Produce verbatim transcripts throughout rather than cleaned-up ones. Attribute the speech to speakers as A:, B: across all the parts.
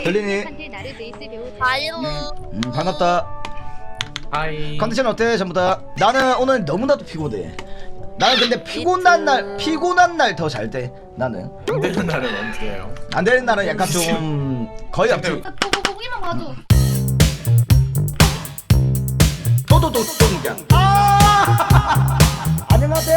A: 들리니?
B: 아유.
A: 음 반갑다.
C: 하이.
A: 컨디션 어때 전부 다? 나는 오늘 너무나도 피곤해. 나는 근데 피곤한 날 피곤한 날 더 잘 돼. 나는
C: 안 되는 날은 언제예요?
A: 안 되는 날은 약간 좀 거의 없지.
B: 보고 보기만 봐도.
A: 또또또 또니까. 아! 안녕하세요.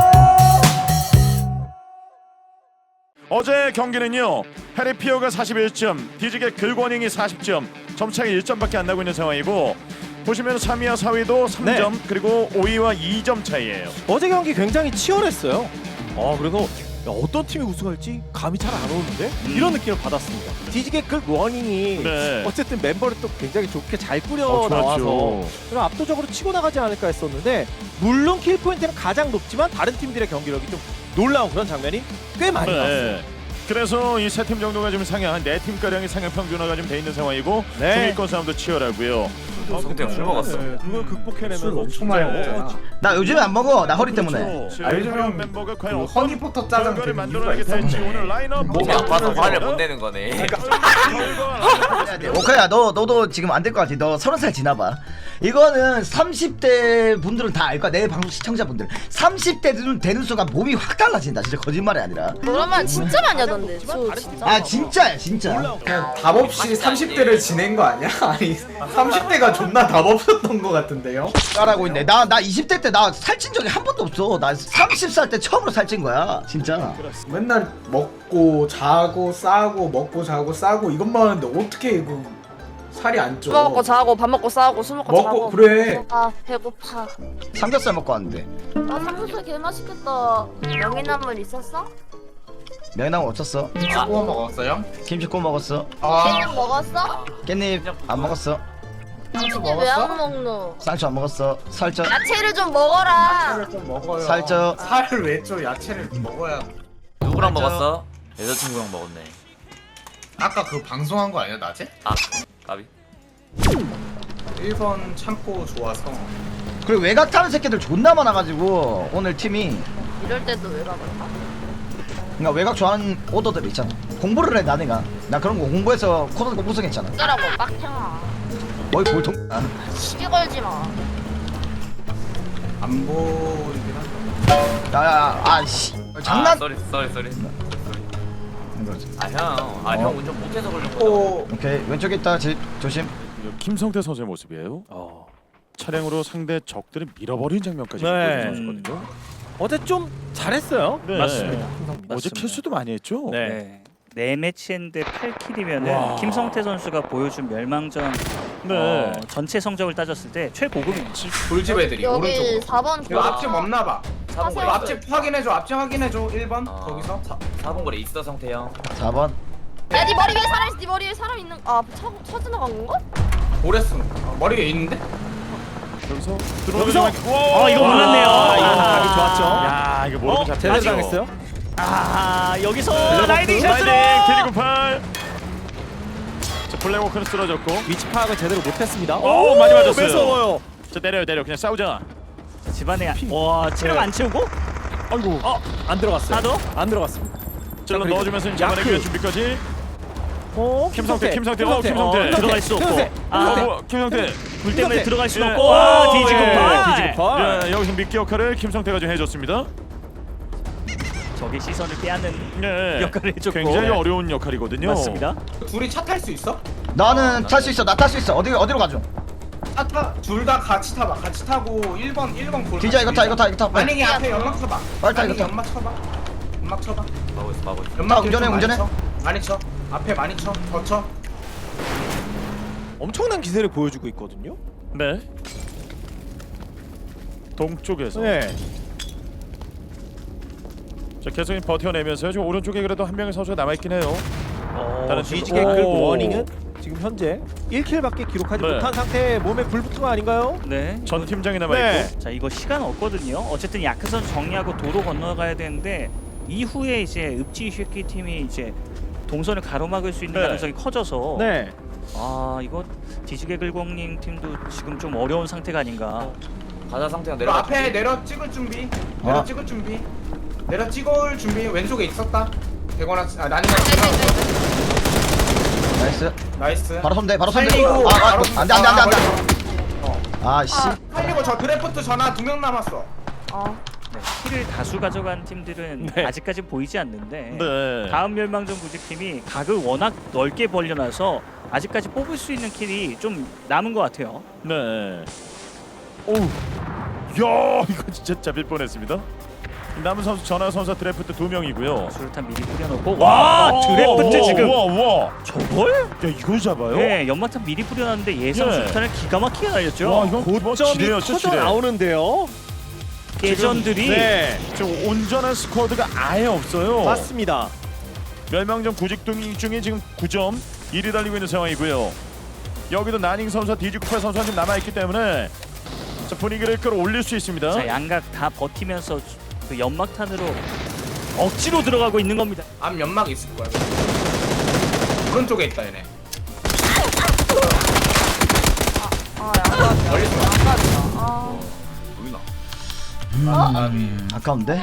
D: 어제 경기는요 해리피어가 사십일 점, 디지게 글권잉이 사십 점, 점차가 일 점밖에 안 나고 있는 상황이고 보시면 삼 위와 사 위도 삼 점, 네. 그리고 오 위와 이 점 차이예요.
E: 어제 경기 굉장히 치열했어요. 아 그래서 야, 어떤 팀이 우승할지 감이 잘 안 오는데 음. 이런 느낌을 받았습니다. 디지게 글 러닝이
D: 네.
E: 어쨌든 멤버를 또 굉장히 좋게 잘 꾸려
D: 어,
E: 나와서 그럼 압도적으로 치고 나가지 않을까 했었는데 물론 킬 포인트는 가장 높지만 다른 팀들의 경기력이 좀 놀라운 그런 장면이 꽤 많이
D: 네.
E: 나왔어요.
D: 그래서 이 세 팀 정도가 좀 상향, 한 네 팀 가량의 상향 평준화가 좀 돼 있는 상황이고
E: 네.
D: 중위권 싸움도 치열하고요.
C: 아, 근데 술 먹었어.
E: 네, 그걸 극복해내면
C: 술 엄청 많이 먹잖아.
A: 나 요즘에 안 먹어. 나 허리 때문에.
D: 그렇죠.
C: 아, 요즘은
D: 멤버가 과연
C: 그
D: 어떤
C: 허니포터 짜장
D: 결과를
C: 되는
D: 만들어내게
C: 이유가
D: 될지
C: 있었네.
D: 오늘 라인업
C: 몸이
F: 아파서 화를 못
D: 내.
F: 내는 거네.
A: 오카야 너 너도 지금 안 될 것 같아. 너 서른 살 지나봐. 이거는 삼십 대 분들은 다 알 거야. 내 방송 시청자분들. 삼십 대 되는 순간 몸이 확 달라진다. 진짜 거짓말이 아니라.
B: 그러면 진짜 많이 하던데. 저 진짜.
A: 아 진짜야 진짜.
C: 그냥 답 없이 삼십 대를 지낸 거 아니야? 아니 삼십 대가 존나 답 없었던 거 같은데요?
A: 따라하고 있네. 나 나 이십 대 때 나 살찐 적이 한 번도 없어. 나 서른 살 때 처음으로 살찐 거야. 진짜.
C: 맨날 먹고 자고 싸고 먹고 자고 싸고 이것만 하는데 어떻게 이거 살이 안 쪄?
B: 술 먹고 자고 밥 먹고 싸우고 술 먹고
C: 먹고
B: 자고.
C: 그래.
B: 아 배고파.
A: 삼겹살 먹고 왔는데.
B: 아 삼겹살 개 맛있겠다. 명이나물 있었어?
A: 명이나물 없었어.
C: 구워 먹었어요?
A: 김치 구워 먹었어.
B: 깻잎 먹었어?
A: 깻잎 안 먹었어.
B: 당신이 왜 안 먹노?
A: 쌍추 안 먹었어. 살쪄.
B: 야채를 좀 먹어라.
C: 야채를 좀 먹어요.
A: 살쪄.
C: 살을 왜 쪄? 야채를 먹어야.
F: 누구랑
A: 맞아.
F: 먹었어? 여자친구랑 먹었네.
C: 아까 그 방송한 거 아니야 낮에?
F: 아, 까비.
C: 일 번 참고 좋아서.
A: 그리고 외곽 타는 새끼들 존나 많아가지고 오늘 팀이
B: 이럴 때도 왜 가볼까?
A: 그러니까 외곽 좋아하는 오더들 있잖아. 공부를 해 나네가. 나 그런 거 공부해서 코드 우승했잖아.
B: 어쩌라고 빡탱아.
A: 거의 볼통. 아,
B: 시비 걸지 마.
C: 안 보이긴 한데.
A: 야야야 아씨 장난.
F: 아, 쏘리, 쏘리, 쏘리.
A: 그렇지.
F: 아, 형. 아,
A: 어.
F: 형 운전 못해서 그런 거야.
C: 또
A: 오케이 왼쪽에 있다. 지, 조심.
D: 김성태 선수의 모습이에요.
E: 어.
D: 차량으로 상대 적들을 밀어버린 장면까지
E: 네.
D: 보여준 선수거든요.
E: 어제 좀 잘했어요.
D: 네.
E: 맞습니다.
D: 어제 킬수도 많이 했죠.
E: 네.
G: 네. 네 매치인데 팔 킬이면은
D: 와.
G: 김성태 선수가 보여준 멸망전
D: 네.
G: 어, 전체 성적을 따졌을 때 최고급입니다.
C: 돌집 애들이
B: 여기
C: 오른쪽으로.
B: 사 번
C: 이거 앞집 없나 봐.
F: 사 번
C: 이거
F: 거리.
C: 앞집 확인해줘. 앞집 확인해줘. 일 번
F: 어,
C: 거기서.
F: 사 번 거리 있어, 성태 형.
A: 사 번.
B: 야네 머리 위에 사람 있어. 네 머리 위에 사람 있는. 아 차, 차 지나간 건가?
C: 오레스 어, 머리 위에 있는데?
D: 여기서
E: 여기서?
G: 어, 이거 몰랐네요.
E: 아, 이거
G: 아.
E: 각이 좋았죠.
D: 야 이거 모르고
E: 어,
D: 잡혔죠.
E: 제대로 당했어요.
G: 아 여기서
E: 블랙워크.
G: 라이딩 샷으로
D: 라이딩 캐리구팔. 자 블랙워크는 쓰러졌고.
E: 위치 파악을 제대로 못했습니다.
D: 오, 많이 맞았어요.
E: 매서워요.
D: 자 내려요 내려 그냥 싸우자.
G: 집안에 와 체력 안 채우고
E: 아이고. 어, 안 들어갔어요.
G: 하도
E: 안 들어갔습니다.
D: 찔러
E: 그리고
D: 넣어주면서 이제
E: 야크.
D: 잡아내기 위한 준비까지.
E: 어,
D: 김성태, 김성태, 어, 김성태.
E: 어,
G: 들어갈 수 없고.
E: 김성태.
G: 아.
D: 어,
E: 김성태.
D: 뭐, 김성태.
G: 불 때문에
E: 김성태.
G: 들어갈 수
D: 예.
G: 없고
D: 오,
G: 와
D: 예.
G: 디지급파
E: 디지급파.
D: 예, 여기서 미끼 역할을 김성태가 좀 해줬습니다.
G: 적의 시선을 빼앗는
D: 네.
G: 역할을 해줬고
D: 굉장히 어려운 역할이거든요.
G: 맞습니다.
C: 둘이 차 탈 수 있어?
A: 나는 탈 수 있어. 나 탈 수 있어. 어디 어디로 가죠?
C: 차 타. 둘 다 같이 타봐. 같이 타고 일 번 일 번 골.
A: 디자 이거 타 이거 타 이거 타. 빨리.
C: 만약에 앞에 연막 쳐봐.
A: 빨리 타, 이거
C: 만약에
A: 타.
C: 연막 쳐봐. 연막 쳐봐.
F: 마고 있어, 마고 있어.
C: 연막
A: 타, 운전해,
C: 좀
A: 운전해.
C: 많이 쳐. 많이 쳐. 앞에 많이 쳐. 더 쳐.
E: 엄청난 기세를 보여주고 있거든요.
D: 네. 동쪽에서.
E: 네.
D: 자 계속 버텨내면서요. 지금 오른쪽에 그래도 한 명의 선수가 남아 있긴 해요.
E: 어,
D: 다른 팀-
E: 뒤지게 끌
D: 오.
E: 워닝은 지금 현재 일 킬밖에 기록하지
D: 네.
E: 못한 상태에 몸에 불 붙은 거 아닌가요?
G: 네.
D: 전 팀장이 남아
E: 네.
D: 있고.
G: 자 이거 시간 없거든요. 어쨌든 야크선 정리하고 도로 건너가야 되는데 이후에 이제 읍지 쉐키 팀이 이제 동선을 가로막을 수 있는
D: 네.
G: 가능성이 커져서
E: 네.
G: 아 이거 디지게 글공님 팀도 지금 좀 어려운 상태가 아닌가.
F: 가자, 성태 형
C: 그리고
F: 내려가.
C: 앞에 내려 찍을 준비. 내려
A: 어.
C: 찍을 준비. 내려 찍을 준비. 왼쪽에 있었다. 대거나 아 난이가
A: 나이스.
C: 나이스.
A: 바로 손대 바로 손대.
C: 살리고,
A: 아, 아,
C: 바로
A: 안돼 안돼 안돼 안돼.
C: 어.
A: 아씨.
C: 살리고 저 드래프트 전화 두 명 남았어.
B: 어.
G: 네, 킬을 다수 가져간 팀들은
E: 네.
G: 아직까지 보이지 않는데
D: 네.
G: 다음 멸망전 구직팀이 각을 워낙 넓게 벌려놔서 아직까지 뽑을 수 있는 킬이 좀 남은 것 같아요.
D: 네. 오우. 야, 이거 진짜 잡힐 뻔했습니다. 남은 선수 전화 선수 드래프트 두 명이고요.
G: 수류탄 미리 뿌려놓고 와 드래프트
D: 우와,
G: 지금
D: 우와, 우와.
G: 저걸?
D: 야, 이걸 잡아요?
G: 네 연막탄 미리 뿌려놨는데 예상
D: 예.
G: 수류탄을 기가 막히게 날렸죠.
D: 와, 이건
E: 고점이
D: 지뢰였죠,
E: 터져
D: 지뢰.
E: 나오는데요.
G: 예전들이
E: 네,
D: 지금 온전한 스쿼드가 아예 없어요.
E: 맞습니다.
D: 멸망전 구직 중에 지금 구 점 일 위 달리고 있는 상황이고요. 여기도 나닝 선수와 디지쿠파 선수가 지금 남아있기 때문에 자, 분위기를 끌어올릴 수 있습니다.
G: 자 양각 다 버티면서 그 연막탄으로 억지로 들어가고 있는 겁니다.
C: 앞 연막 있을 거야. 오른쪽에 있다 얘네.
B: 아 양각이야.
C: 멀리서 와.
B: 양각이야. 아.
C: 보이나?
A: 음, 아까운데.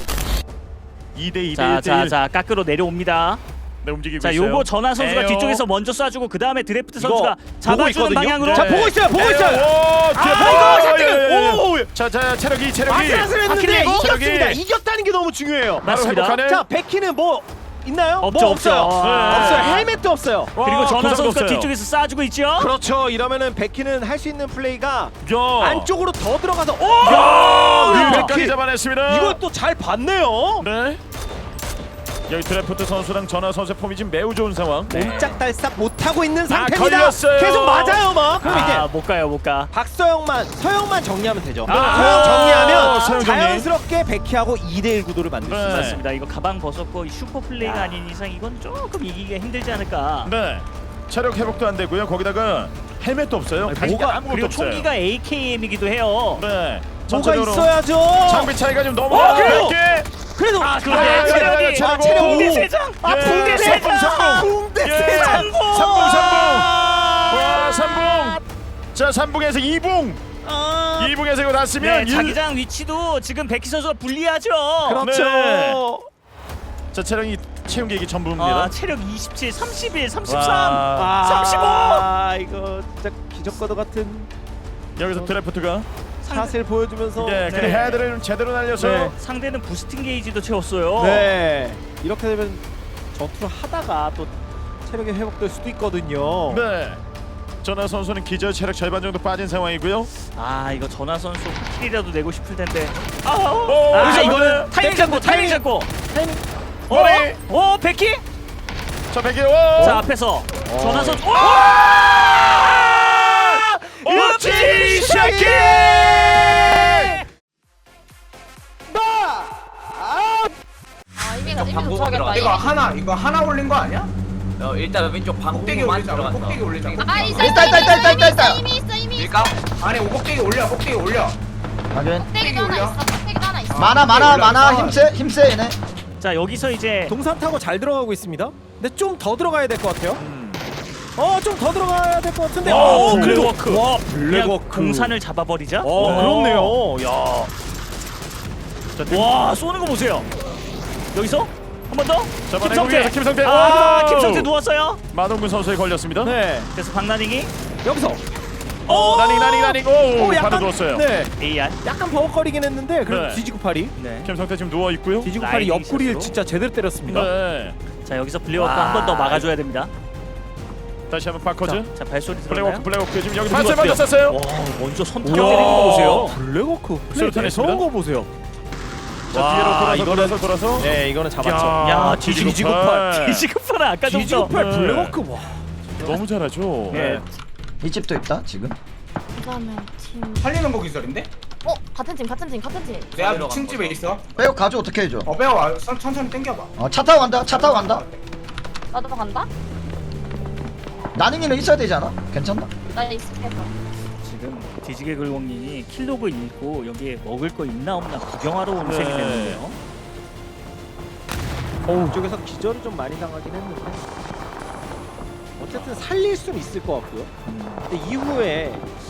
D: 이 대 이 대 일 대 일.
G: 자자자 깎으로 내려옵니다.
D: 네, 움직이고
G: 자
D: 있어요.
G: 요거 전하 선수가
D: 에어.
G: 뒤쪽에서 먼저 쏴주고 그 다음에 드래프트
E: 이거
G: 선수가
E: 보고
G: 잡아주는
E: 있거든요?
G: 방향으로.
D: 네.
E: 자, 보고 있어요, 보고 있어요.
D: 오, 뒤에
E: 아,
D: 보고
E: 이거
D: 있어요.
E: 잠깐.
D: 예, 예, 예.
E: 오,
D: 자, 자, 체력이 체력이.
E: 아슬아슬 했는데
G: 근데 이거
E: 이겼습니다.
D: 저기-
E: 이겼다는 게 너무 중요해요.
G: 맞습니다.
D: 회복하네.
E: 자, 백키는 뭐 있나요?
G: 없죠,
E: 뭐 없어요.
G: 없어요.
D: 네.
E: 없어요. 헬멧도 없어요.
G: 그리고
D: 와,
G: 전하
D: 고장도
G: 선수가
D: 없어요.
G: 뒤쪽에서 쏴주고 있죠.
E: 그렇죠. 이러면은 백키는 할 수 있는 플레이가
D: 야.
E: 안쪽으로 더 들어가서 오!
D: 야,
E: 백키!
D: 백까지 잡아냈습니다.
E: 이것도 잘 봤네요.
D: 네. 여기 드래프트 선수랑 전화 선수의 폼이 지금 매우 좋은 상황.
E: 옴짝달싹 못하고 있는 상태입니다.
D: 걸렸어요.
E: 계속 맞아요, 막. 그럼 이제
G: 아, 못 가요, 못 가.
E: 박서영만, 서영만 정리하면 되죠.
D: 아,
E: 서영 정리하면
D: 서영 정리.
E: 자연스럽게 백키하고 이 대 일 구도를 만들 수
D: 네.
E: 있어요.
G: 맞습니다. 이거 가방 벗었고 슈퍼 플레이가 아닌 이상 이건 조금 이기기가 힘들지 않을까.
D: 네. 체력 회복도 안 되고요. 거기다가 헬멧도 없어요.
G: 아니,
D: 가시가
G: 뭐가
D: 아무것도
G: 그리고
D: 없어요.
G: 총기가 에이케이엠이기도 해요.
D: 네.
E: 뭐가
D: 전체적으로
E: 있어야죠.
D: 장비 차이가 좀 너무
E: 어, 그래요?
D: 넓게.
E: 그래도
G: 아,
D: 아,
G: 그런데
D: 야, 야, 야,
G: 체력이
D: 체력
G: 아,
D: 오.
G: 붕대 세 장. 아,
D: 예,
G: 붕대 세
D: 삼분,
G: 장.
D: 삼분.
E: 붕대
D: 예.
E: 세 장.
D: 삼분 삼분. 와, 삼분. 자, 삼분에서 이분.
E: 아,
D: 이분에서 이거 다 쓰면
G: 네, 자기장 위치도 지금 백희 선수가 불리하죠.
E: 그렇죠.
D: 네. 자, 체력이 채운 게 이게 전부입니다.
G: 아, 체력 이십칠, 삼십일, 삼십삼.
D: 와.
G: 삼십오!
E: 아, 이거 진짜 기적과도 같은
D: 여기서 드래프트가
E: 샷을 보여주면서
D: 네, 근데
G: 네.
D: 헤드를 좀 제대로 날려서
E: 네.
G: 상대는 부스팅 게이지도 채웠어요.
E: 네, 이렇게 되면 전투를 하다가 또 체력이 회복될 수도 있거든요.
D: 네. 전하 선수는 기절 체력 절반 정도 빠진 상황이고요.
G: 아, 이거 전하 선수 킬이라도 내고 싶을 텐데. 아,
D: 오,
G: 아
D: 여기서
G: 이거는 타이밍 잡고 타이밍 잡고. 어?
D: 머리.
G: 어, 백희?
D: 자, 백이 오.
G: 자, 앞에서 전하 선수. 오!
D: 옵지 샤키!
B: 아 이미가 이미
F: 방구가
B: 도착했다.
F: 들어갔다.
C: 이거 하나 이거 하나 올린 거 아니야?
F: 어, 일단 왼쪽
C: 꼭대기
F: 방구만
C: 올리자.
F: 들어갔어.
C: 꼭대기 올리자.
B: 아 있어
A: 있다, 있다, 있다, 있다, 있다, 있다.
B: 이미 있어 이미 있어.
F: 밀까?
C: 아니 오 꼭대기 올려. 꼭대기 올려.
A: 확인.
B: 꼭대기도 하나
C: 올려.
B: 있어. 꼭대기도 하나 있어.
A: 많아 많아
C: 올려,
A: 많아
C: 올려.
A: 힘세 힘세 얘네.
G: 자, 여기서 이제
E: 동산 타고 잘 들어가고 있습니다. 근데 좀 더 들어가야 될 것 같아요. 어, 좀 더 들어가야 될 것 같은데.
G: 와,
E: 어,
G: 블랙워크.
E: 그래도- 와,
G: 그냥
E: 블랙워크.
G: 공산을 잡아버리자.
E: 어, 그렇네요. 야.
D: 자,
G: 와, 쏘는 거 보세요. 여기서 한 번 더.
D: 잡아내고 위에서 김성태.
G: 아,
D: 와우.
G: 김성태 누웠어요.
D: 마동근 선수에 걸렸습니다.
E: 네.
G: 그래서 박나닝이
E: 여기서
D: 어, 나닝 나닝 나닝. 오,
E: 오,
D: 바로 누웠어요.
E: 네.
G: 에이알.
E: 약간 버벅거리긴 했는데 그래도
D: 네.
E: 뒤지고 팔이.
G: 네.
D: 김성태 지금 누워 있고요.
E: 뒤지고 팔이
G: 라이딩
E: 옆구리를
G: 샷으로.
E: 진짜 제대로 때렸습니다.
D: 네.
G: 자, 여기서 블랙워크
E: 와.
G: 한 번 더 막아줘야 됩니다.
D: 다시 한번 바커즈.
G: 자, 발소리
D: 블랙워크
G: 들었나요?
D: 블랙워크 지금 여기
G: 그리고
D: 발세 먼저
G: 어때요?
D: 쐈어요.
G: 와, 먼저 선택 때리는 거 보세요.
E: 블랙워크 플레이
D: 수류탄
E: 무서운
D: 했습니다.
E: 거 보세요.
D: 자,
E: 와,
D: 뒤로 돌아서
E: 이거는-
D: 돌아서 돌아서.
E: 네, 이거는 잡았죠.
D: 야,
G: 야,
D: 뒤지고
G: 뒤지고
D: 팔.
G: 팔. 뒤지고 팔은 아까
E: 뒤지고
G: 정도.
E: 팔
D: 네.
E: 블랙워크 와.
D: 너무 잘하죠.
G: 네.
A: 이 집도 있다 지금.
B: 그다음에 팀.
C: 살리는 거 기절인데?
B: 어 같은 팀 같은 팀 같은 팀.
C: 내가
F: 내려간
C: 미친 집에
F: 거죠.
C: 있어.
A: 빼고 가져 어떻게 해줘?
C: 어 빼와. 천- 천천히 당겨봐.
A: 어, 차 타고 간다. 차 타고 간다.
B: 나도 간다.
A: 나닝이는 있어야 되지 않아? 괜찮나?
B: 나 있을게.
G: 지금 뒤지게 글공님이 킬로그 읽고 여기에 먹을 거 있나 없나 구경하러 온
D: 네.
G: 셈이 됐는데요.
E: 어, 이쪽에서 기절을 좀 많이 당하긴 했는데 어쨌든 살릴 수는 있을 것 같고요. 근데 이후에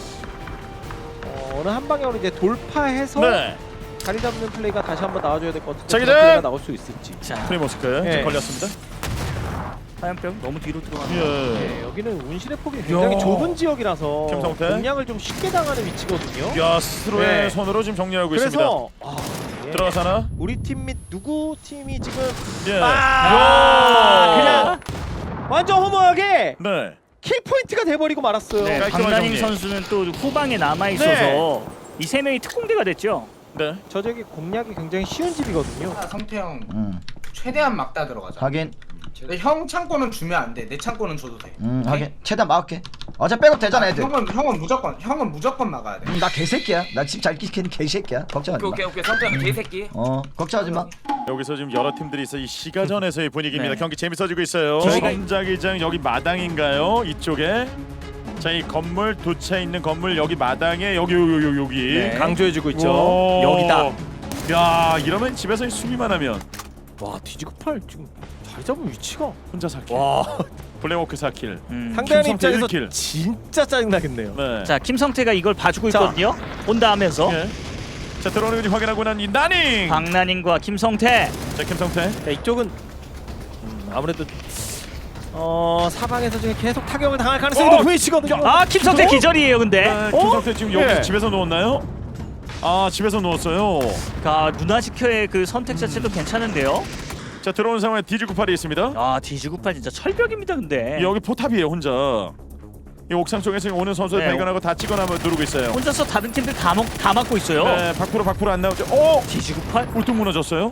E: 어, 어느 한 방향으로 이제 돌파해서
D: 네.
E: 자리 잡는 플레이가 다시 한번 나와줘야 될 것 같은데
D: 자기장!
E: 그런 플레이가 나올 수 있을지.
G: 자,
D: 프리모스크
E: 네.
D: 지금 걸렸습니다.
G: 화염병 너무 뒤로 들어가는.
D: 예.
E: 네, 여기는 운신의 폭이 굉장히
D: 야.
E: 좁은 지역이라서
D: 김성태?
E: 공략을 좀 쉽게 당하는 위치거든요.
D: 야 스스로의
E: 네.
D: 손으로 지금 정리하고 있습니다.
E: 그래서 아, 예.
D: 들어가사나?
E: 우리 팀 및 누구 팀이 지금
D: 예.
E: 아,
D: 야.
E: 그냥 완전 허무하게
D: 네.
E: 킬 포인트가 돼버리고 말았어요.
G: 네,
D: 깔끔한
G: 박나닝
D: 정리.
G: 선수는 또 후방에 남아 있어서 이 세 명이 특공대가 됐죠.
D: 네.
E: 저 저기 공략이 굉장히 쉬운 집이거든요.
C: 아, 성태형
A: 음
C: 최대한 막다 들어가자.
A: 하긴
C: 근데 형 창고는 주면 안 돼. 내 창고는 줘도 돼.
A: 음
C: 오케이?
A: 하긴 최대한 막을게. 어차피 백업 되잖아 애들.
C: 형은 형은 무조건 형은 무조건 막아야 돼.
A: 음, 나 개새끼야. 나 집 잘 지키는 개새끼야. 걱정하지
F: 오케이
A: 마.
F: 오케이 오케이 성태형 개새끼.
A: 어 걱정하지 마.
D: 여기서 지금 여러 팀들이 있어 이 시가전에서의 분위기입니다.
G: 네.
D: 경기 재밌어지고 있어요.
G: 저희가-
D: 선자기장 여기 마당인가요? 이쪽에 자 이 건물 두 채 있는 건물 여기 마당에 여기 여기 여기 여기.
G: 네.
E: 강조해주고 있죠.
D: 와.
E: 여기다.
D: 야 이러면 집에서 수비만 하면
E: 와 뒤지고 팔 지금 잘 잡은 위치가.
D: 혼자 사 킬.
E: 와
D: 블랙워크 사 킬.
G: 음.
E: 상대하는
D: 김성태
E: 입장에서
D: 일 킬.
E: 진짜 짜증나겠네요.
D: 네.
G: 자 김성태가 이걸 봐주고
E: 자.
G: 있거든요. 온다 하면서
D: 예. 자 들어오는 거 확인하고 난 이 나닝.
G: 박나닝과 김성태.
D: 자 김성태.
E: 자, 이쪽은 음, 아무래도 어 사방에서 지금 계속 타격을 당할 가능성이
D: 어!
E: 높은 위치거든요.
G: 아 김성태
E: 어?
G: 기절이에요 근데.
D: 아, 김성태 지금 여기
E: 예.
D: 집에서 누웠나요? 아 집에서 누웠어요.
G: 가 누나 지켜의 그 선택 자체도 괜찮은데요.
D: 자 들어오는 상황에 디지구팔이 있습니다.
G: 아 디지구팔 진짜 철벽입니다 근데.
D: 여기 포탑이에요 혼자. 이 옥상 쪽에서 오는 선수를
G: 네.
D: 발견하고 다 찍어놔 누르고 있어요.
G: 혼자서 다른 팀들 다, 먹, 다 막고 있어요.
D: 네, 밖으로 밖으로 안 나오죠. 오!
G: 디지구팔?
D: 울퉁 무너졌어요.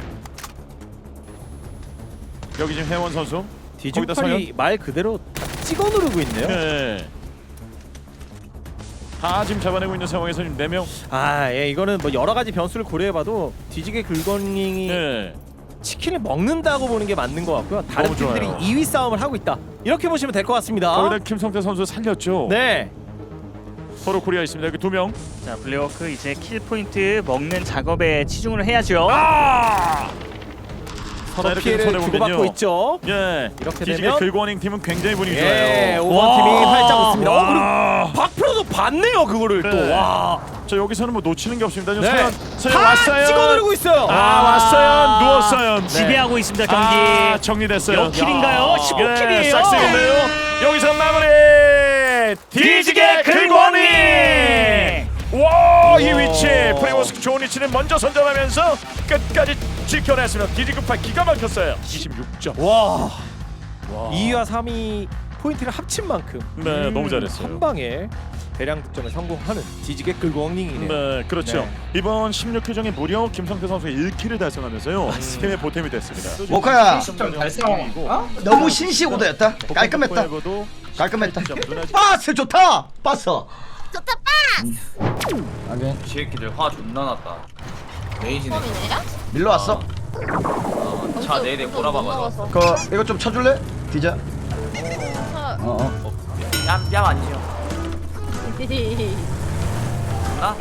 D: 여기 지금 혜원 선수. 거기다
E: 디지털이 말 그대로 다 찍어 누르고 있네요.
D: 네. 다 지금 잡아내고 있는 상황에서 지금 네 명.
E: 아, 예, 이거는 뭐 여러 가지 변수를 고려해봐도 뒤지게 긁어닝이
D: 네.
E: 치킨을 먹는다고 보는 게 맞는 것 같고요. 다른
D: 너무
E: 팀들이
D: 좋아요.
E: 이 위 싸움을 하고 있다. 이렇게 보시면 될 것 같습니다.
D: 거기다 김성태 선수 살렸죠.
E: 네,
D: 서로 코리아 있습니다. 여기 두 명.
G: 자 블랙워크 이제 킬 포인트 먹는 작업에 치중을 해야죠.
D: 아!
E: 서로
D: 자, 이렇게
E: 피해를
D: 손해보면요.
E: 주고받고 있죠.
D: 예.
E: 이렇게
D: 뒤지게
E: 되면-
D: 긁어닝 팀은 굉장히 분위기
E: 예,
D: 좋아요.
E: 오 번 팀이 활짝 웃습니다. 어, 그리고
D: 와.
E: 박프로도 봤네요, 그거를
D: 네.
E: 또. 와,
D: 저 여기서는 뭐 놓치는 게 없습니다. 지금
E: 네.
D: 서현, 서현
E: 다
D: 왔어요.
E: 찍어 누르고 있어요.
D: 아, 왔어요. 누웠어요. 네.
G: 지배하고 있습니다 경기.
D: 아, 정리됐어요.
G: 몇 킬인가요? 십오 킬이에요.
D: 싹쓸이인데요. 여기서 마무리. 뒤지게 긁어닝. 와, 이 위치 프리모스 좋은 위치는 먼저 선점하면서 끝까지 지켜냈습니다. 디지급파 기가 막혔어요. 이십육 점.
E: 와, 이 위와 삼 위 포인트를 합친 만큼
D: 네, 너무 잘했어요.
E: 한 방에 대량 득점에 성공하는 뒤지게 긁어닝이네요.
D: 네, 그렇죠.
E: 네.
D: 이번 십육 회전에 무려 김성태 선수가 일 킬을 달성하면서
E: 음.
D: 팀의 보탬이 됐습니다.
A: 모카야
C: 십 점 달성. 어?
A: 너무 신시오더였다. 깔끔했다. 깔끔했다. 빠스 좋다. 빠스.
B: 좋다
A: 하긴
F: 이 새끼들 화 존나 났다.
C: 레이지네.
B: 뻔이네요?
A: 밀러 왔어.
F: 어, 차 네대 몰아봐봐.
A: 그 이거 좀 쳐줄래? 디자.
B: 차
A: 어 어.
F: 뺨뺨 아니죠? 나?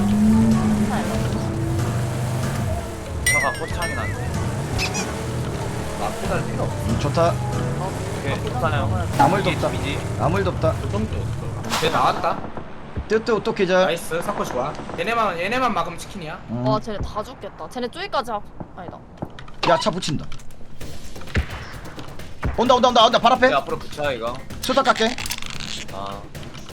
F: 차가 포창이 났네.
C: 나쁘다 필요 없어.
A: 음, 좋다.
F: 오케이 좋다요.
A: 아무 일도 없다.
F: 팀이지.
A: 아무 일도 없다.
C: 쟤 나왔다.
A: 뜨뜨 어떻게 자?
C: 나이스. 사코 좋아. 얘네만 얘네만 막으면 치킨이야.
A: 음.
B: 와 쟤네 다 죽겠다. 쟤네 쪼이까지 하... 아니다.
A: 야차 붙인다. 온다 온다 온다 온다 발 앞에.
F: 내 앞으로 붙여 이거.
A: 수다 깎게.
F: 아.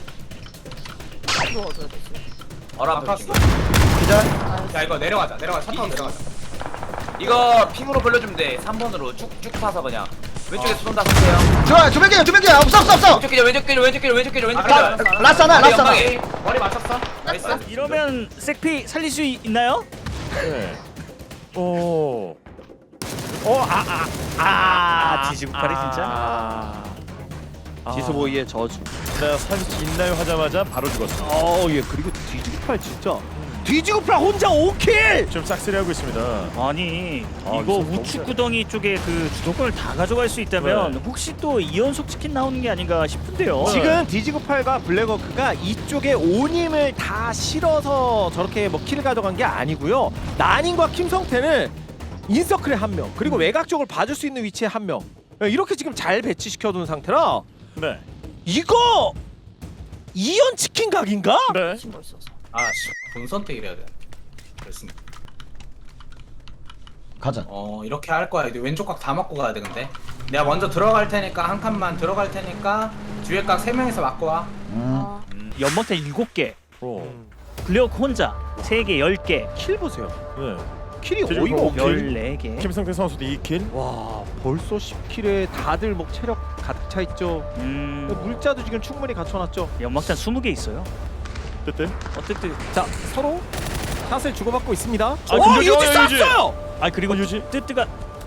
B: 누워줘야 되지.
F: 바로 앞에
C: 아팠어.
F: 붙인 거.
A: 기자.
C: 야 이거 내려가자. 내려가. 차 타고 내려가자.
F: 이거 핑으로 벌려주면 돼. 삼 번으로 쭉쭉 파서 그냥. 왼쪽에서 쏜다 쏘세요.
A: 좋아 두 명이야 두 명이야 없어 없어 없어.
F: 왼쪽 기절 왼쪽 기절 왼쪽 기절 왼쪽 기절 왼쪽
C: 아,
F: 기절.
C: 라-
A: 라스 하나
F: 머리
A: 라스 하나.
F: 연막에.
C: 머리 맞췄어. 나이스.
G: 이러면 색피 살릴 수 있, 있나요?
D: 네. 오.
G: 어, 아, 아, 아, 디지구팔이 진짜.
E: 아, 지수보이의 저주.
D: 네, 살수 있나요 하자마자 바로 죽었어.
E: 어, 예, 그리고 뒤지고팔 진짜. 뒤지고팔 혼자 오 킬.
D: 지금 싹쓸이하고 있습니다.
G: 아니
D: 아,
G: 이거
D: 이거
G: 우측
D: 너무
G: 구덩이 쪽에 그 주도권을 다 가져갈 수 있다면
D: 네.
G: 혹시 또 이연속 치킨 나오는 게 아닌가 싶은데요.
D: 네.
E: 지금 디지고팔과 블랙워크가 이쪽에 오님을 다 실어서 저렇게 뭐 킬을 가져간 게 아니고요. 나닝과 김성태는 인서클에 한 명, 그리고 외곽 쪽을 봐줄 수 있는 위치에 한 명. 이렇게 지금 잘 배치시켜둔 상태라
D: 네.
E: 이거 이연 치킨 각인가?
D: 네.
B: 친구 있어서.
C: 아씨. 본 선택이래야 돼. 그렇습니다.
A: 가자.
C: 어 이렇게 할 거야. 이제 왼쪽 각 다 맞고 가야 돼 근데. 내가 먼저 들어갈 테니까 한 칸만 들어갈 테니까 뒤에 각 세 명이서 맞고 와.
A: 음.
B: 어.
G: 연막탄 일곱 개,
D: 어.
G: 블랙워크 혼자 세 개, 열 개,
E: 킬 보세요.
D: 네.
E: 킬이
D: 뒤집어
E: 어이가
D: 보고
E: 없네.
G: 열네 개.
D: 김성태 선수도 이 킬.
E: 와 벌써 십 킬에 다들 뭐 체력 가득 차 있죠.
G: 음,
E: 물자도 지금 충분히 갖춰놨죠.
G: 연막탄 스무 개 있어요.
D: 뜨뜻.
G: 어쨌든
E: 자 서로 샷을 주고받고 있습니다.
D: 아,
E: 어
D: 근데
E: 유지
D: 어, 유지.
E: 쐈어요.
G: 아 그리고
D: 어, 유지.
G: 뜨뜨가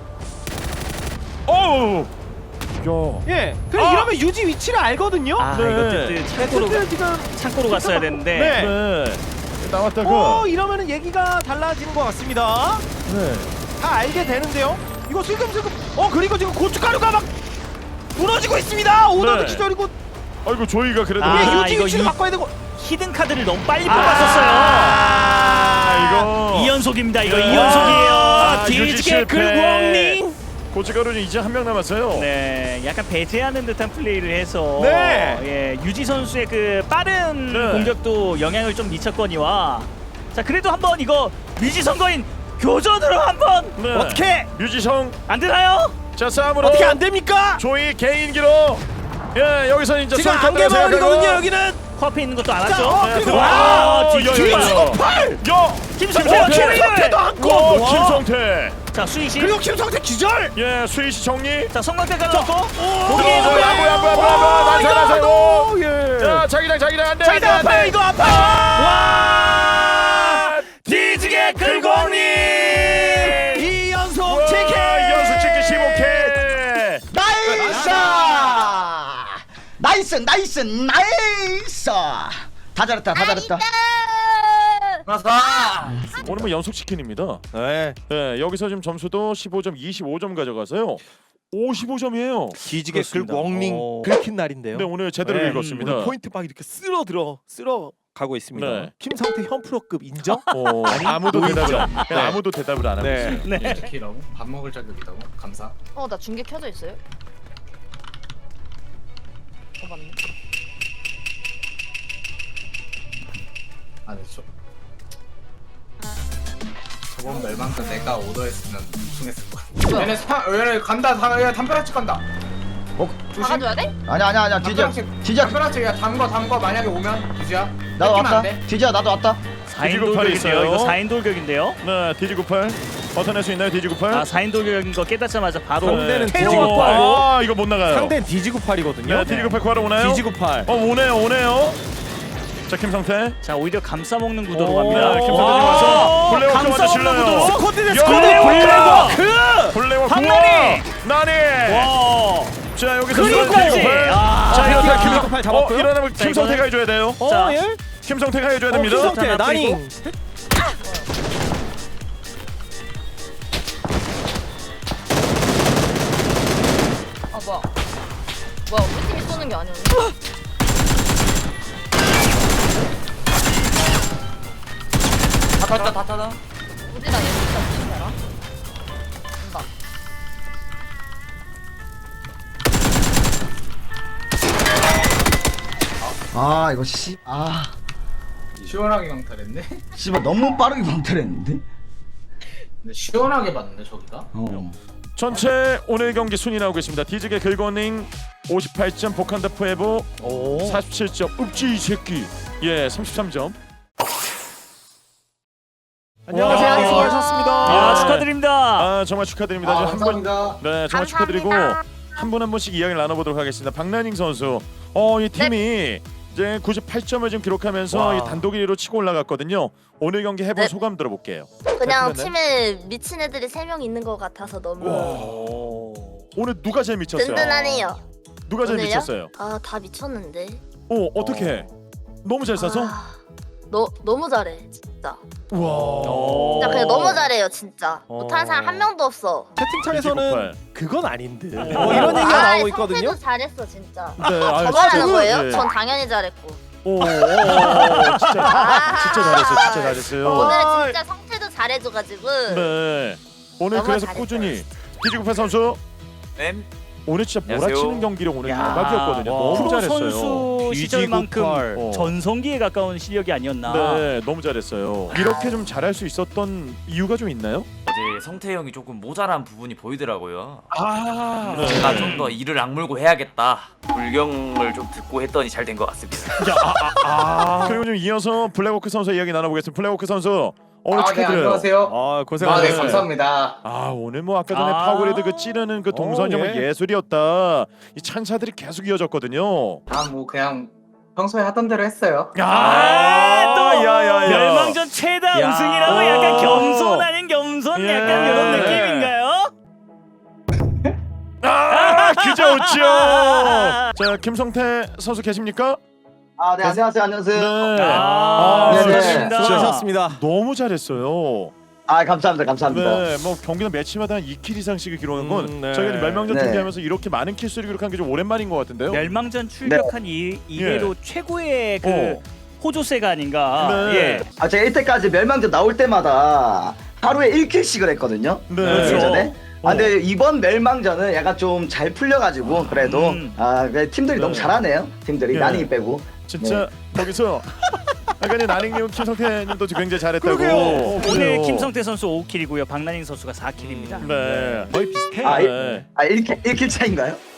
D: 어우. 야.
E: 예. 그래
D: 아!
E: 이러면 유지 위치를 알거든요.
G: 아
D: 네.
G: 이거 뜨뜨
E: 네,
G: 창고로
E: 뜨뜨 지금
G: 창고로 갔어야 되는데
E: 네.
D: 네. 나왔다가.
E: 어 이러면은 얘기가 달라지는 것 같습니다.
D: 네.
E: 다 알게 되는데요. 이거 슬금슬금. 어 그리고 지금 고춧가루가 막 무너지고 있습니다. 오너도
D: 네.
E: 기절이고.
D: 아이고 조이가 그래도.
G: 아,
E: 예, 유지
G: 이거
E: 위치를
G: 유-
E: 바꿔야 되고.
G: 히든 카드를 너무 빨리
E: 아,
G: 뽑았었어요.
D: 아, 이거.
G: 이 연속입니다. 이거
D: 네.
G: 이 연속이에요.
D: 아, 유지
G: 뒤지게
D: 실패.
G: 긁어엉닝.
D: 고춧가루는 이제 한 명 남았어요.
G: 네, 약간 배제하는 듯한 플레이를 해서
E: 네.
G: 예, 유지 선수의 그 빠른
D: 네.
G: 공격도 영향을 좀 미쳤거니와 자 그래도 한번 이거 위지 선거인 교전으로 한번
D: 네.
G: 어떻게
D: 유지성.
G: 안 되나요?
D: 자 싸움으로.
E: 어떻게 안 됩니까?
D: 조이 개인기로. 예 여기서 이제
E: 지금
D: 쏠 카드를
E: 안개마을이거든요
D: 생각하고.
E: 여기는.
G: 코앞에 있는 것도
E: 자,
G: 알았죠?
E: 어,
D: 네,
E: 그리고
D: 들어와.
G: 와,
D: 어,
G: 뒤지고
D: 야, 야,
E: 뒤지고
D: 야.
E: 팔.
D: 야.
G: 김성태가
D: 김성태.
E: 김성태도
G: 킬을!
E: 안고.
D: 와,
E: 와.
D: 김성태.
G: 자 수희씨
E: 그리고 김성태 기절.
D: 예 수희씨 정리.
G: 자 성광대 갈라놓고
D: 거기
G: 거기에
D: 뭐야
G: 있는
D: 뭐야 뭐야 뭐야 뭐야 난사 난사고. 자 자기장 자기장 안돼
G: 자 이거
D: 안돼
G: 아파요
D: 안돼.
G: 이거 아파요 와
D: 뒤지게 긁어니.
E: 이 연속 치킨.
D: 연속 치킨 십오 킬.
A: 나이스! 나이스 나이스 나이스! 다 잘했다 다 잘했다.
F: 나사.
D: 오늘 뭐 연속 치킨입니다.
E: 네.
D: 네 여기서 지금 점수도 십오 점 이십오 점 가져가서요. 오십오 점이에요.
E: 뒤지게
G: 그렇습니다.
E: 긁고 엉링
G: 어.
E: 긁힌 날인데요.
D: 네 오늘 제대로
E: 네,
D: 읽었습니다.
E: 오늘 포인트 막 이렇게 쓸어 들어 쓸어 가고 있습니다.
D: 네.
E: 김성태 현프로급 인정?
D: 어, 아무도 대답을 안,
E: 네.
D: 아무도 대답을 안 하고
E: 네.
D: 있어요.
G: 네.
C: 치킨이라고? 밥 먹을 자격이라고? 감사.
B: 어, 나 중계 켜져 있어요? 어, 맞네.
C: 아, 네, 저. 저번 멸망전 내가 오더했으면 우승했을 거야. 얘네 사, 얘네 간다, 다, 얘 담벼락집 간다.
A: 어?
C: 조심.
B: 박아줘야 돼?
A: 아니야 아니야 아니야 뒤져
C: 담벼락집,
A: 뒤져
C: 담벼락집, 야, 담거, 담거. 만약에 오면, 유지야.
A: 나도
C: 뺏기면 안
A: 왔다
C: 돼.
A: 뒤져 나도 왔다.
G: 사 인
D: 뒤지고 팔이
G: 돌격인데요.
D: 있어요.
G: 이거 사 인 돌격인데요.
D: 네 디지구팔 벗어낼 수 있나요 디지구팔?
G: 아 사 인 돌격인 거 깨닫자마자 바로
E: 상대는
G: 네.
E: 뒤지고
G: 태워.
E: 팔.
D: 아 이거 못 나가요.
E: 상대는 디지구팔이거든요.
D: 네 디지구팔 구하러 오나요?
E: 디지구팔.
D: 어 오네요 오네요. 자 김성태.
G: 자 오히려 감싸 먹는 구도로
D: 오,
G: 갑니다.
D: 김성태
G: 와,
D: 와서 블랙워크
G: 감싸
D: 먼저
G: 먹는
D: 질러요.
G: 구도.
E: 스쿼드 대
D: 야,
E: 스쿼드.
G: 블랙워크!
D: 블랙워크
G: 박나니!
D: 나니.
G: 와.
D: 자 여기서
G: 그리고까지!
D: 디지구팔.
G: 아,
D: 자 이거
E: 아,
D: 김
E: 디지구팔 잡았고요.
D: 어 일어나면
G: 자,
D: 김성태가
G: 이거는-
D: 해줘야 돼요.
E: 어,
G: 자,
E: 예?
D: 김성태가 해줘야
E: 어,
D: 됩니다.
E: 김성태
G: 자,
E: 나닝.
B: 아, 뭐야. 뭐야, 우리 팀이 쏘는 게 아니었네.
F: 다 탔다 다 탔다.
B: 우리랑 얘 진짜 무슨 알아? 온다.
A: 아 이거 씨아
C: 시원하게 강탈했네?
A: 씨발 너무 빠르게 방탈했는데.
C: 근데 시원하게 봤는데, 저기가?
A: 어.
D: 전체 오늘 경기 순위 나오고 있습니다. 디지게 긁어닝 오십팔 점, 복한다 포에보
E: 오.
D: 사십칠 점, 읍지 이 새끼 예 삼십삼 점.
E: 안녕하세요.
B: 와.
E: 수고하셨습니다.
G: 아,
D: 네.
G: 축하드립니다.
D: 아 정말 축하드립니다.
C: 아,
D: 지금 한 분,
C: 감사합니다.
D: 네 정말 축하드리고 한 분 한 분씩 이야기를 나눠보도록 하겠습니다. 박나닝 선수, 어이 팀이 이제 구십팔 점을 지금 기록하면서
E: 와.
D: 이 단독 일 위로 치고 올라갔거든요. 오늘 경기 해본
B: 네.
D: 소감 들어볼게요.
B: 그냥
D: 잘
B: 팀에 미친 애들이 세 명 있는 것 같아서 너무
D: 오. 오늘 누가 제일 미쳤어요?
B: 든든하네요.
D: 누가 제일
B: 오늘요?
D: 미쳤어요?
B: 아, 다 미쳤는데.
D: 어 어떻게? 해? 너무 잘 쏴서?
B: 아, 너 너무 잘해, 진짜.
D: 와.
G: 오.
B: 진짜 그냥 너무 잘해요, 진짜.
E: 어.
B: 못하는 사람 한 명도 없어.
E: 채팅창에서는 그건 아닌데.
D: 어,
E: 뭐 이런 얘기가
B: 아,
E: 나오고 있거든요.
B: 성태도 잘했어, 진짜.
D: 네, 아유,
B: 저만 하는
D: 진짜,
B: 거예요?
D: 네.
B: 전 당연히 잘했고.
D: 오, 오, 오, 진짜 진짜 잘했어요. 진짜 잘했어요.
B: 오늘은 진짜 성태도 잘해줘가지고.
D: 네. 오늘
B: 너무
D: 그래서
B: 잘했어요,
D: 꾸준히
B: 진짜.
D: 디지구팔 선수
F: 네.
D: 오늘 진짜
F: 안녕하세요.
D: 몰아치는 경기를 오늘
G: 야.
D: 대박이었거든요.
E: 와.
D: 너무
G: 프로
D: 잘했어요.
G: 선수 시절만큼
D: 어.
G: 전성기에 가까운 실력이 아니었나.
D: 네, 너무 잘했어요. 이렇게 좀 잘할 수 있었던 이유가 좀 있나요?
F: 어제 이제 성태 형이 조금 모자란 부분이 보이더라고요.
D: 아, 네.
F: 제가 좀 더 이를 악물고 해야겠다. 불경을 좀 듣고 했더니 잘 된 것 같습니다.
D: 아, 그리고 좀 이어서 블랙워크 선수 이야기 나눠보겠습니다. 블랙워크 선수 오늘
C: 아, 네,
D: 축하드려요.
C: 안녕하세요.
E: 아
C: 아,
E: 고생하셨어요.
C: 네, 감사합니다.
D: 아 오늘 뭐 아까 전에
G: 아.
D: 파워그리드 그 찌르는 그 동선
E: 어,
D: 정말
E: 예.
D: 예술이었다. 이 찬사들이 계속 이어졌거든요.
C: 아, 뭐 그냥 평소에 하던 대로 했어요.
G: 아, 또
D: 야야야.
G: 멸망전 최다
E: 야.
G: 우승이라고 약간 겸손 아닌 겸손
D: 예.
G: 약간 이런 느낌인가요?
D: 아 귀여웠죠. 자 김성태 선수 계십니까?
A: 아, 네, 안녕하세요, 안녕하세요.
D: 네.
G: 아,
A: 네, 네.
G: 수고하셨습니다.
E: 수고하셨습니다.
D: 너무 잘했어요.
A: 아, 감사합니다, 감사합니다.
D: 네, 뭐 경기는 매치마다 한 이 킬 이상씩을 기록한 건
E: 음, 네.
D: 저희가 이제 멸망전
A: 네.
D: 준비하면서 이렇게 많은 킬수를 기록한 게 좀 오랜만인 것 같은데요.
G: 멸망전 출격한 이 이래로 최고의 그
D: 어.
G: 호조세가 아닌가.
D: 네.
G: 예.
A: 아, 제가 이때까지 멸망전 나올 때마다 하루에 일 킬씩을 했거든요.
D: 네.
G: 그렇죠.
A: 예전에. 아, 근데 이번 멸망전은 약간 좀 잘 풀려가지고 그래도
G: 음.
A: 아, 그 팀들이
D: 네.
A: 너무 잘하네요. 팀들이
D: 예.
A: 나닝이 빼고.
D: 진짜 거기서 아까 전 나닝님, 김성태님도 굉장히 잘했다고.
E: 그러게요.
G: 오늘
D: 그래요.
G: 김성태 선수 오 킬이고요. 박나닝 선수가 사 킬입니다.
D: 네.
E: 거의 비슷해.
A: 아,
D: 네.
A: 아, 일 킬, 일 킬 차인가요?